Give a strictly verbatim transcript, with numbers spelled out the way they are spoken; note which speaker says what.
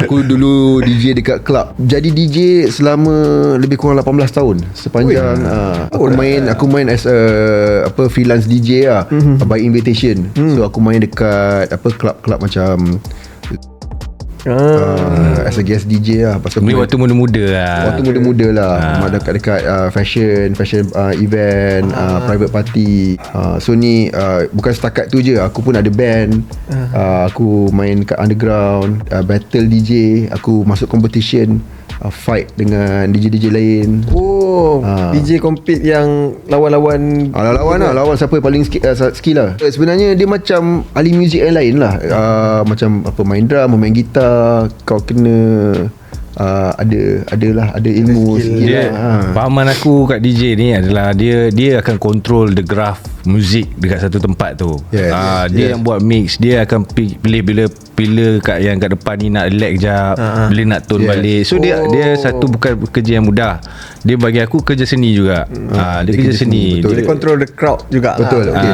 Speaker 1: Aku dulu D J dekat club. Jadi D J selama lebih kurang lapan belas tahun. Sepanjang uh, aku main aku main as a apa freelance D J lah, mm-hmm. by invitation. Mm. So aku main dekat apa club-club macam Uh, as a guest D J lah. Pasal
Speaker 2: Ni waktu muda-muda lah.
Speaker 1: Waktu muda-muda lah. ah. Dekat-dekat uh, fashion Fashion uh, event, ah. uh, private party. uh, So ni uh, bukan setakat tu je. Aku pun ada band. ah. uh, Aku main kat underground, uh, battle D J. Aku masuk competition, uh, fight dengan D J-D J lain.
Speaker 3: Oh,
Speaker 1: Ah.
Speaker 3: D J compete yang lawan-lawan.
Speaker 1: Ah, lawan lah, lawan siapa yang paling skill, uh, skill lah. Eh, Sebenarnya dia macam ahli muzik yang lain lah. uh, Macam apa, main drum, main gitar. Kau kena uh, ada adalah ada ilmu
Speaker 3: skill.
Speaker 1: skill
Speaker 2: Dia,
Speaker 1: lah. ha.
Speaker 2: Fahaman aku kat D J ni adalah dia dia akan control the graph muzik dekat satu tempat tu.
Speaker 1: Yes,
Speaker 2: Ah,
Speaker 1: yes,
Speaker 2: dia
Speaker 1: yes.
Speaker 2: yang buat mix, dia akan pi- pilih bila pilih kat yang kat depan ni nak relax jap,
Speaker 3: Ah, ah.
Speaker 2: bila nak tone
Speaker 1: Yes.
Speaker 2: balik. So dia
Speaker 3: Oh.
Speaker 2: dia satu bukan kerja yang mudah. Dia bagi aku kerja seni juga. Ah, dia,
Speaker 1: Dia
Speaker 2: kerja
Speaker 1: kerja
Speaker 2: seni.
Speaker 1: seni, betul.
Speaker 3: Dia control the crowd juga.
Speaker 1: Betul.
Speaker 3: lah.
Speaker 1: Okay.